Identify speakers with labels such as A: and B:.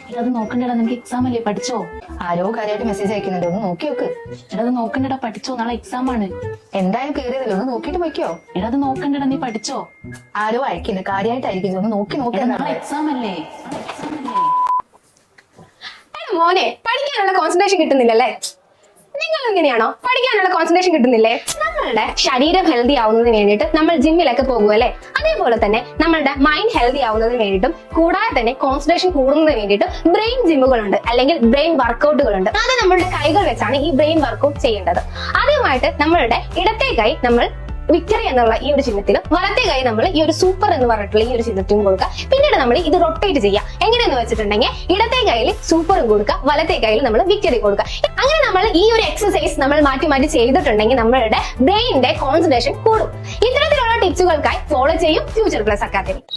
A: എടാ അത് നോക്കണ്ടടാ, നിനക്ക് എക്സാം അല്ലേ, പഠിച്ചോ?
B: ആരോ കാര്യമായിട്ട് മെസ്സേജ് അയക്കുന്നുണ്ട്, ഒന്ന് നോക്കി നോക്ക്.
A: എടാ അത് നോക്കണ്ടടാ, പഠിച്ചോ, നാളെ എക്സാം ആണ്.
B: എന്തായാലും കേറിയതല്ലോ, ഒന്ന് നോക്കിട്ട് പോയിക്കോ.
A: എടാ അത് നോക്കണ്ടടാ, നീ പഠിച്ചോ?
B: ആരോ അയക്കുന്നു, കാര്യമായിട്ടായിരിക്കും, ഒന്ന് നോക്കി നോക്കി.
A: എടാ നാളെ എക്സാം അല്ലേ, നാളെ എക്സാം അല്ലേ.
C: മോനെ പഠിക്കാനുള്ള കോൺസെൻട്രേഷൻ കിട്ടുന്നില്ലല്ലേ? നിങ്ങൾ ഇങ്ങനെയാണോ? പഠിക്കാനുള്ള കോൺസെൻട്രേഷൻ കിട്ടുന്നില്ലേ? നമ്മളുടെ ശരീരം ഹെൽത്തി ആവുന്നതിന് വേണ്ടിയിട്ട് നമ്മൾ ജിമ്മിലൊക്കെ പോകുമല്ലേ, അതേപോലെ തന്നെ നമ്മളുടെ മൈൻഡ് ഹെൽത്തി ആവുന്നതിന് വേണ്ടിയിട്ടും കൂടാതെ തന്നെ കോൺസെൻട്രേഷൻ കൂടുന്നതിന് വേണ്ടിയിട്ട് ബ്രെയിൻ ജിമ്മുകളുണ്ട്, അല്ലെങ്കിൽ ബ്രെയിൻ വർക്കൗട്ടുകളുണ്ട്. അത് നമ്മളുടെ കൈകൾ വെച്ചാണ് ഈ ബ്രെയിൻ വർക്കൗട്ട് ചെയ്യേണ്ടത്. ആദ്യമായിട്ട് നമ്മളുടെ ഇടത്തെ കൈ നമ്മൾ വിക്ടറി എന്നുള്ള ഈ ഒരു ചിഹ്നത്തിലും വലത്തെ കൈ നമ്മൾ ഈ ഒരു സൂപ്പർ എന്ന് പറഞ്ഞിട്ടുള്ള ഈ ഒരു ചിഹ്നത്തിലും കൊടുക്കുക. പിന്നീട് നമ്മൾ ഇത് റൊട്ടേറ്റ് ചെയ്യുക. എങ്ങനെയെന്ന് വെച്ചിട്ടുണ്ടെങ്കിൽ ഇടത്തെ കയ്യിൽ സൂപ്പറും കൊടുക്കുക, വലത്തെ കയ്യിൽ നമ്മൾ വിക്ടറി കൊടുക്കുക. അങ്ങനെ നമ്മൾ ഈ ഒരു എക്സസൈസ് നമ്മൾ മാറ്റി മാറ്റി ചെയ്തിട്ടുണ്ടെങ്കിൽ നമ്മളുടെ ബ്രെയിനിന്റെ കോൺസെൻട്രേഷൻ കൂടും. ഇത്തരത്തിലുള്ള ടിപ്സുകൾക്കായി ഫോളോ ചെയ്യും ഫ്യൂച്ചർ പ്ലസ് അക്കാദമി.